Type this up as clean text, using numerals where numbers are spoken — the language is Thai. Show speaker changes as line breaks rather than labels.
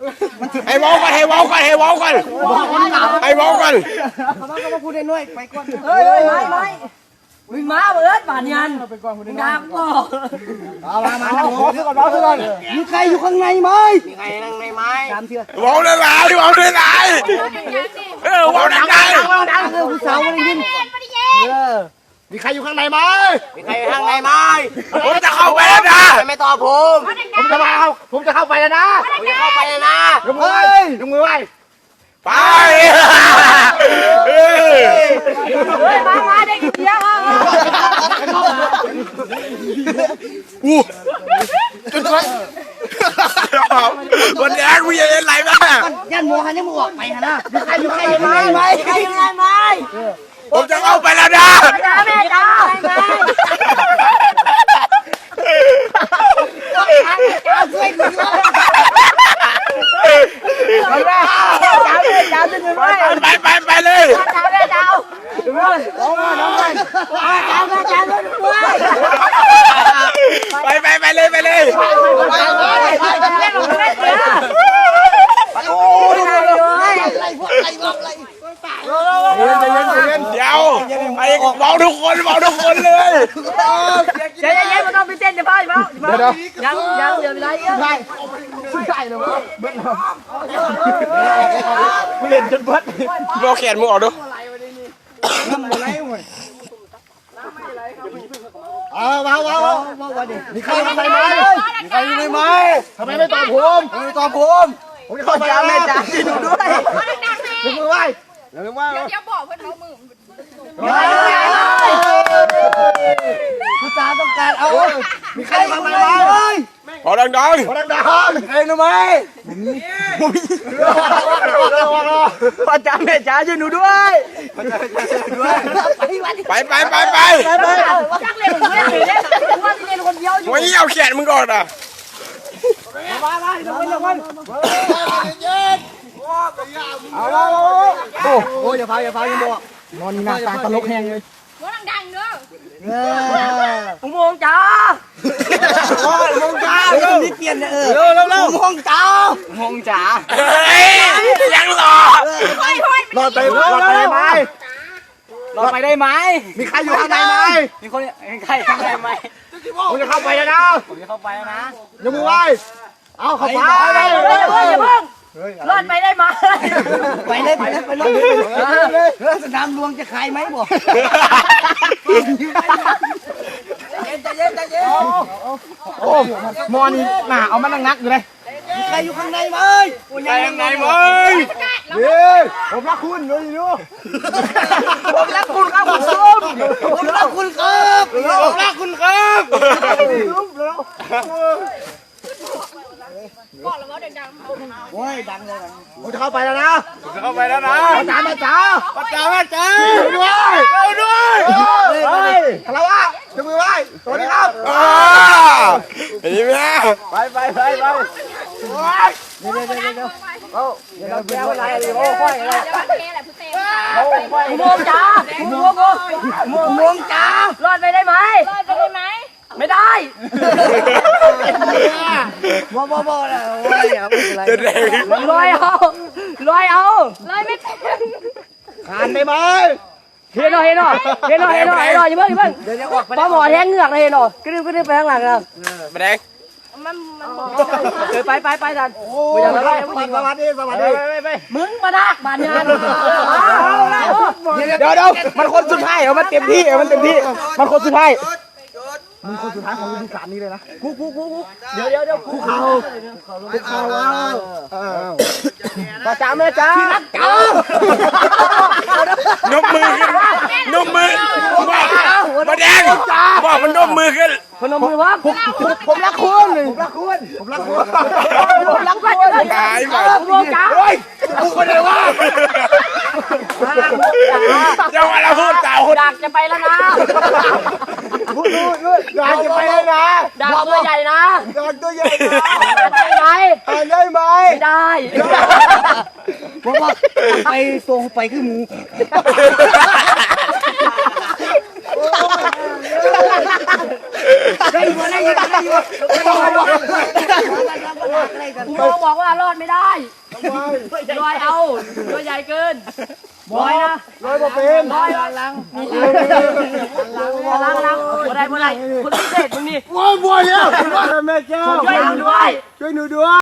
ให้เว้ากันให้เว้ากันให้เว้ากันให้เว้ากัน
เขามาพูดได้น้อยไปก่อน
เฮ้ยไม่มึงมาเบิดบาดยันดาบก็
มาขอซื้อก่อนมีใครอยู่ข้างในไหมมีใครข้างในไหมตามเชื่อ
เว้าได้หลายเว้าได้หลายเว้าดัง
ผู้สาวไม่ได้ยินมีใครอยู่ข้างในไหมมีใครอยู่ข้างในไหม
ผมจะเข้าไปแล้วนะ
ไม่ตอบผมจะมาผมจะเข้าไปแล้วนะผมจะเข้าไปแล้วนะยกมือไว้
ไป
มาเด็กเดียว
จุดไว้วันนี้กูยังเล่นไรบ้าง
ยันมัวหันยันมัวไปฮะนะมีใครอยู่ข้างในไหมใครอยู่ข้างในไหม
ผมจะเข้าไปแล้วนะ
แม่จ้า
ช่วยกันจ้าจะถึงไหม
ไปเลย
จ้าแม่จ้า
น้องจ้าแม่จ้าด้วย
ไปเลย
โอ้ย
เดี๋ยวไอ้เมาทุกคนเลย
เดี๋ยวมันต้องไปเต้นเดี๋ยวพ่อยังเดี๋ยวไปไหน
ใช่เลยวะเบิ้ล
มึงเล่นจนเบิ้ลโลแขนมึงออกดู
มีใครอยู่ในไหมมีใครอยู่ในไหมทำไมไม่ตอบผมผมจะเข้าไปแม่จ๋าดูด้วยยกมือไหว้
เดี๋ยวบอกเพื่อนเขามือ
ผู้สาวต้องการเอามีใครทำอะไร
พอดัง
ใครรู้ไหมพ่อจ๋าแม่จ๋าช่วยหนูด้วย
ไป
จักเล่นเล่นว่าเล่นคนเดียวอยู่
ไม่เอาแขนมึงก่อนอ่ะ
มาเดี๋ยวโอ้ยอย่าพายังบอกนอนนี่หน้าตาตลกแห้งเลย
ว่าดังๆเด้อ
อุโมงค์จ้า
นี่เปลี่ยนเร็วอุโมงค์จ๋า
ยังรอ
รอดไปได้ไหมมีใครอยู่ข้างในไหม
มีคนใครข้างในไหม
ผมจะเข้าไปแล้วนะยกมือไหว้เอาเข้าไป
อย่าเพิ่งรอดไปได้ไหม
ไปสนามหลวงจะขายไหมบอกใจเย็นโอ้มอนี่หนาเอามันงักอยู่เลยมีใครอยู่ข้างในไหมผมรักคุณดูผมรักคุณครับ
บอกแล้วว่าดัง
โอ้ยดังเลยผมจะเข้าไปแล้วนะจ๋าแม่จ๋าด้วยคารวะจะมือไหว้สวัสดีครับ
เห็นไหม
ไปเดี๋ยวแก้วอะไรโอ้ค่อยอะไรอุโมงค์จ๋าร
อดไปได้ไหมไม่ได้
บ่นะโอ้ยอย่าพูดอะไร
ลอยเอา
ไม่เป็น
ขานได้ไหม
เห็นหน่อยอย่าเพิ่งเดี๋ยวออกไปหมอแทงเหงือกเลยหน่อยกระดึ๊บไปข้างหลังนะ
มาแดง
มันไปดัน
โอ้ยสวัสดี
มึงมาดักบานงาน
เดี๋ยวมันคนสุดท้ายมันเต็มที่มันคนสุดท้ายมึงคนสุดท้ายของฤดูกาลนี้เลยนะกูเดี๋ยวกูเขา
ป้าจ๋าแม่จ๋า
นมมือมาแดงบอกมันนมมือขึ้น
พนมมือวะ
ผมรักคุณ
ตายไป
อุโมงค์จ๋า
เฮ้ยกูคนเดียววะ
เจ้าอะไรพูดเต่า
อยากจะไปแล้วนะ
อยากจะไปแล้วนะ
ดักตัวใหญ่นะ
ได้ไหม
ไม่ได้
เพราะว่าไปตรงไปคือหมูได้อยู่
กูบอกว่ารอดไม่ได้ลอยเอาตัวใหญ่เกินบอยนะ
ร้อยกว่าเป็น
บอยล้างบ่ได้คนพิเศษมึงนี่
โอ้ยบัวแล้วแม่แก้ว
ช่วยหนูด้วย
ช่วยหนูด้วย